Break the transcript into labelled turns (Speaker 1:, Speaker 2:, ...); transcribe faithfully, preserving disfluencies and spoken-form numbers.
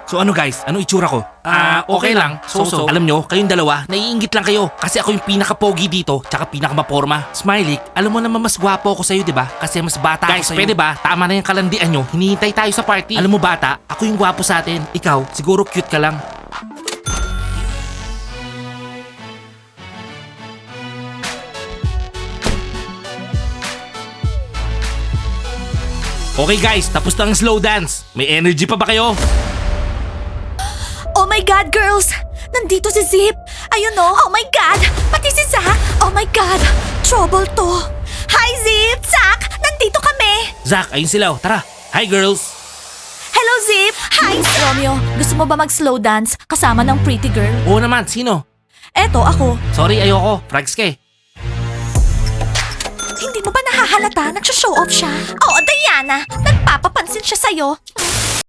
Speaker 1: So ano guys, ano itsura ko?
Speaker 2: Ah, okay lang. So-so.
Speaker 1: Alam nyo, kayong dalawa, naiingit lang kayo. Kasi ako yung pinaka-pogi dito, tsaka pinaka-maporma. Smiley, alam mo naman mas gwapo ako sa'yo, di ba? Kasi mas bata
Speaker 2: Guys,
Speaker 1: ako sa'yo. Pwede ba? Tama na yung kalandian nyo. Hinihintay tayo sa party. Alam mo bata, ako yung gwapo sa atin. Ikaw, siguro cute ka lang. Okay guys, tapos na ang slow dance. May energy pa ba kayo?
Speaker 3: Oh my God, girls! Nandito si Zip! Ayun oh! Oh my God! Pati si Zach! Oh my God! Trouble to! Hi, Zip! Zach! Nandito kami!
Speaker 1: Zach, ayun sila. oh. Tara. Hi girls.
Speaker 3: Hello, Zip! Hi, Romeo! Gusto mo ba mag-slow dance kasama ng pretty girl?
Speaker 1: Oo naman, sino?
Speaker 3: Eto, ako.
Speaker 1: Sorry, ayoko. Frags ka eh.
Speaker 3: Hindi mo ba nahahalata? Nagsha-show off siya. Oo, Diana! Nagpapapansin siya sa'yo.